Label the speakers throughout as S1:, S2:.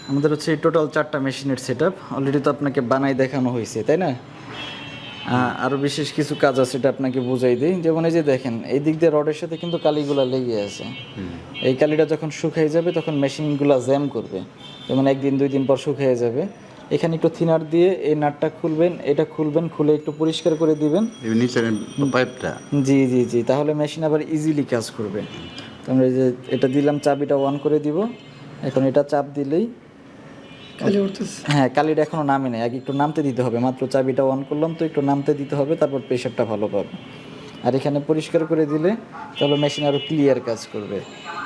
S1: আমাদের হচ্ছে এই টোটাল 4টা মেশিনের সেটআপ অলরেডি তো আপনাকে বানাই দেখানো হয়েছে, তাই না? আরও বিশেষ কিছু কাজ আছে, এটা আপনাকে বুঝাই দিই। যেমন এই যে দেখেন, এই দিক দিয়ে রডের সাথে কিন্তু কালিগুলা লেগে আছে। এই কালিটা যখন শুকিয়ে যাবে তখন মেশিনগুলো জ্যাম করবে, যেমন 1 দিন 2 দিন পর শুকিয়ে যাবে। এখানে একটু থিনার দিয়ে এই নাটটা খুলবেন, এটা খুলবেন, খুলে একটু পরিষ্কার করে দিবেন
S2: নিচের পাইপটা।
S1: জি জি জি, তাহলে মেশিন আবার ইজিলি কাজ করবে। তো আমরা এই যে এটা দিলাম, চাবিটা অন করে দিব। এখন এটা চাপ দিলেই
S3: কালি উঠতেছে।
S1: হ্যাঁ, কালিটা এখনো নামে নাই, আগে একটু নামতে দিতে হবে। মাত্র চাবিটা অন করলাম তো একটু নামতে দিতে হবে, তারপর প্রেশারটা ভালো পাবে। আর এখানে পরিষ্কার করে দিলে তাহলে মেশিন আরও ক্লিয়ার কাজ করবে।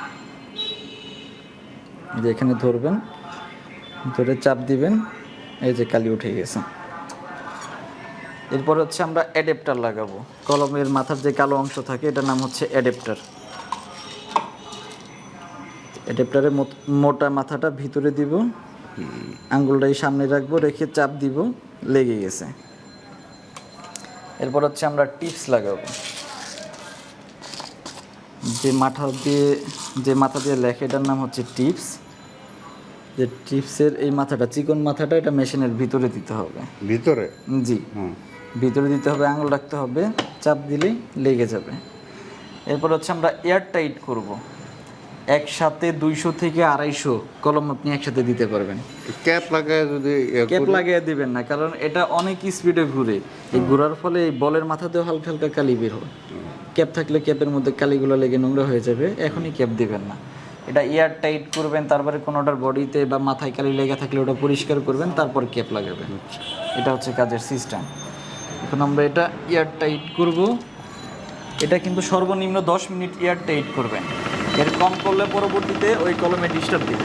S1: এই যে এখানে ধরবেন, ধরে চাপ দিবেন, এই যে কালি উঠে গেছে। এরপর হচ্ছে আমরা অ্যাডাপ্টার লাগাবো। কলমের মাথার যে কালো অংশ থাকে এটার নাম হচ্ছে অ্যাডাপ্টার। অ্যাডাপ্টারের মোটা মাথাটা ভিতরে দিব, আঙ্গুলটাই সামনে রাখবো, রেখে চাপ দিব, লেগে গেছে। এরপর হচ্ছে আমরা টিপস লাগাবো। যে মাথা দিয়ে লেখে এটার নাম হচ্ছে টিপস। যে টিপসের এই মাথাটা, চিকন মাথাটা, এটা মেশিনের ভিতরে দিতে হবে।
S2: ভিতরে?
S1: জি, ভিতরে দিতে হবে, আঙুল রাখতে হবে, চাপ দিলেই লেগে যাবে। এরপর হচ্ছে আমরা এয়ার টাইট করবো। একসাথে 200 থেকে 250 কলম আপনি একসাথে দিতে পারবেন।
S2: ক্যাপ লাগায় যদি
S1: ক্যাপ লাগিয়ে দিবেন না, কারণ এটা অনেক স্পিডে ঘুরে। এই ঘোরার ফলে এই বলের মাথাতেও হালকা হালকা কালি বের হয়। ক্যাপ থাকলে ক্যাপের মধ্যে কালিগুলো লেগে নোংরা হয়ে যাবে, এখনই ক্যাপ দিবেন না। এটা এয়ার টাইট করবেন, তারপরে কোনোটার বডিতে বা মাথায় কালি লেগে থাকলে ওটা পরিষ্কার করবেন, তারপর ক্যাপ লাগাবেন। এটা হচ্ছে কাজের সিস্টেম। এখন আমরা এটা এয়ার টাইট করব। এটা কিন্তু সর্বনিম্ন 10 মিনিট এয়ার টাইট করবেন। এর কম করলে পরবর্তীতে ওই কলমে ডিস্টার্ব দিবে।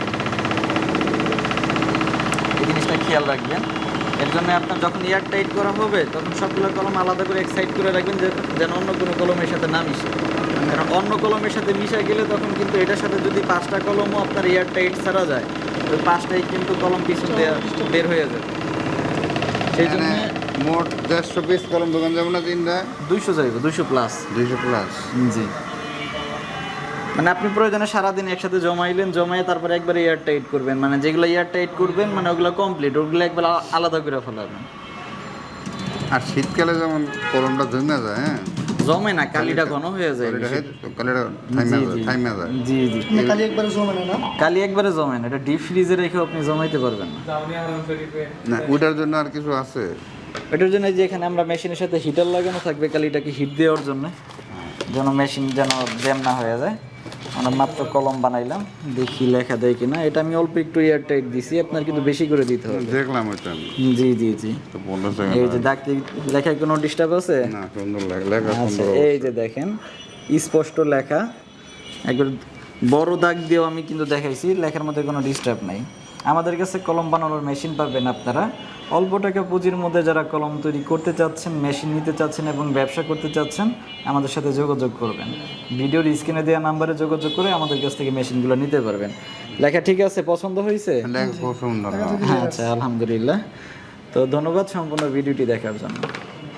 S1: এই জিনিসটা খেয়াল রাখবেন। এর জন্য আপনার যখন এয়ার টাইট করা হবে তখন সবগুলো কলম আলাদা করে এক সাইড করে রাখবেন, যেন অন্য কোনো কলমের সাথে না মিশে। কারণ অন্য কলমের সাথে মিশে গেলে তখন কিন্তু এটার সাথে যদি 5টা কলমও আপনার এয়ার টাইট ছাড়া যায়, ওই 5টাই কিন্তু কলম পিছন দিয়ে বের হয়ে যাবে। সেই জন্য
S2: মোট 150 পিস কলম দোকান যাবো না তিনটা?
S1: 200 যাইব, 200 প্লাস।
S2: 200 প্লাস?
S1: জি, মানে আপনি প্রয়োজনে সারাদিন একসাথে জমাইলেন, জমায়ে তারপরে একবার এয়ার টাইট করবেন। মানে যেগুলো এয়ার টাইট করবেন মানে ওগুলো কমপ্লিট, ওগুলো একবার আলাদা করে ফেলাবেন।
S2: আর শীতকালে যেমন কলমটা জমে যায়, হ্যাঁ,
S1: জমে না, কালিটা ঘন হয়ে যায়।
S2: কালিটা থাইমা যায়।
S1: জি জি,
S3: কালি একবারে জমে না।
S1: কালি একবারে জমে না, এটা ডিপ ফ্রিজে রেখেও আপনি জমাইতে পারবেন না।
S2: না, ওটার জন্য আর কিছু আছে?
S1: এটার জন্য যে এখানে আমরা মেশিনের সাথে হিটার লাগানো থাকবে কালিটাকে হিট দেওয়ার জন্য, যেন মেশিন যেন জ্যাম না হয়ে যায়। আমরা মাত্র কলম বানাইলাম, দেখি লেখা দেয় কিনা। এটা আমি অল্প একটু এয়ার টাইট দিছি, আপনার কিন্তু বেশি করে দিতে হবে।
S2: দেখলাম ওইটা আমি।
S1: জি জি জি,
S2: তো 15
S1: এই যে দাগ লেখায় কোনো ডিস্টার্ব আছে?
S2: না, সুন্দর লেখা
S1: আচ্ছা,
S2: সুন্দর।
S1: এই যে দেখেন স্পষ্ট লেখা, একবার বড় দাগ দিয়েও আমি কিন্তু দেখাইছি, লেখার মধ্যে কোনো ডিস্টার্ব নাই। আমাদের কাছে কলম বানানোর মেশিন পাবেন আপনারা। অল্প টাকা পুঁজির মধ্যে যারা কলম তৈরি করতে চাচ্ছেন, মেশিন নিতে চাচ্ছেন এবং ব্যবসা করতে চাচ্ছেন, আমাদের সাথে যোগাযোগ করবেন। ভিডিওর স্ক্রিনে দেওয়া নাম্বারে যোগাযোগ করে আমাদের কাছ থেকে মেশিনগুলো নিতে পারবেন। লেখা ঠিক আছে? পছন্দ হয়েছে?
S2: লেখা খুব সুন্দর।
S1: আচ্ছা, আলহামদুলিল্লাহ। তো ধন্যবাদ সম্পূর্ণ ভিডিওটি দেখার জন্য।